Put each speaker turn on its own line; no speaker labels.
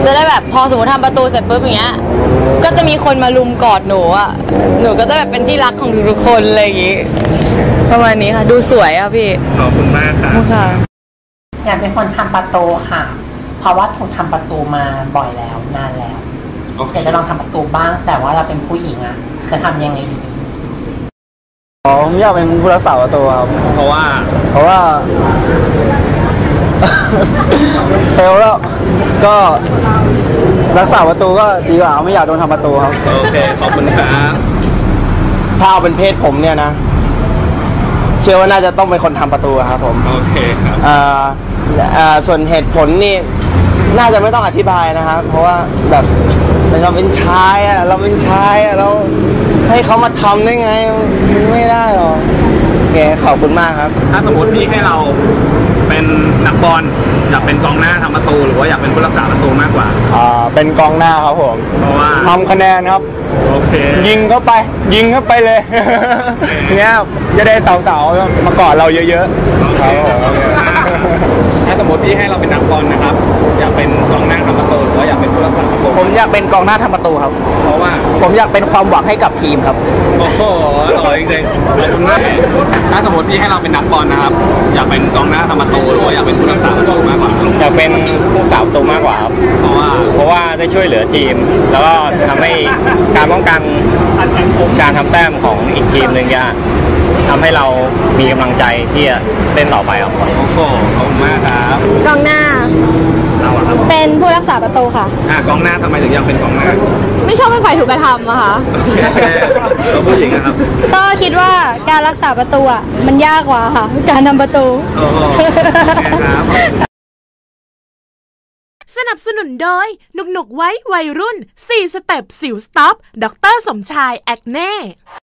จะได้แบบพอสมมติทำประตูเสร็จปุ๊บอย่างเงี้ยก็จะมีคนมาลุมกอดหนูอ่ะหนูก็จะแบบเป็นที่รักของทุกคนอะไรอย่างงี้ประมาณนี้ค่ะดูสวยอ่ะพี่
ขอบคุณมากครับ
ค่ะ
อยากเป็นคนทำประตูค่ะเพราะว่าถูกทำประตูมาบ่อยแล้วนานแล้วอยากจะลองทำประตูบ้างแต่ว่าเราเป็นผู้หญิงอะจะทำยังไงดี
ผมอยากเป็นผู้รักษาประตูครับ
เพราะว่า
เฟลแล้วก็รักษาประตูก็ดีกว่าไม่อยากโดนทำประตูครับ
โอเคขอบคุณครับ
ถ้าเอาเป็นเพศผมเนี่ยนะเชื่อว่าน่าจะต้องเป็นคนทำประตูครับผม
โอเคครับ
ส่วนเหตุผลนี่น่าจะไม่ต้องอธิบายนะครับเพราะว่าแบบเราเป็นชายอะเราให้เขามาทำได้ไงไม่ได้หรอกโอเคขอบคุณมากครับ
ถ้าสมมติพี่ให้เราเป็นนักบอลอยากเป็นกองหน้าทำประตูหรือว่าอยากเป็นผู้รักษาประตูมากกว่า
เป็นกองหน้าครับผม
เพราะว่า
ทำคะแนนครับ
โอเค
ยิงเข้าไปเลยเนี้ยจะได้เต่าๆมากอดเราเยอะๆครับ
ถ้าสมมติพี่ให้เราเป็นนักบอลนะครับอยากเป็นกองหน้าทำประตูหรือว่าอยากเป็นผู้รักษาประตู
ผมอยากเป็นกองหน้าทำประตูครับ
เพราะว่า
ผมอยากเป็นความหวังให้กับทีมครับ
โอ้โหอร่อยจริงๆขอบคุณมากถ้าสมมติพี่ให้เราเป็นนักบอลนะครับอยากเป็นกองหน้าทำประตูหรือว่าอยากเป็นผู้รักษาประตูมากกว่า
อยากเป็นผู้รักษาประตูมากกว่าครับ
เพราะ
ว่าได้ช่วยเหลือทีมแล้วก็ทำให้การป้องกันการทำแต้มของอีกทีมหนึ่งจะทำให้เรามีกำลังใจที่จะเล่นต่อไปครับ
โอ้โหขอบคุณมากครับ
กองหน้าเป็นผู้รักษาประตูค่ะ
กองหน้าทำไมถึงอยากเป็นกองหน้า
ไม่ชอบเป็นฝ่ายถูกกระทำอะค่ะ
เราผู้หญิงนะครับ
ก็คิดว่าการรักษาประตูอะมันยากกว่าค่ะการทำประตู
สนับสนุนโดยหนุกไว้วัยรุ่น4สเต็ปสิวสต็อปดร.สมชายแอคเน่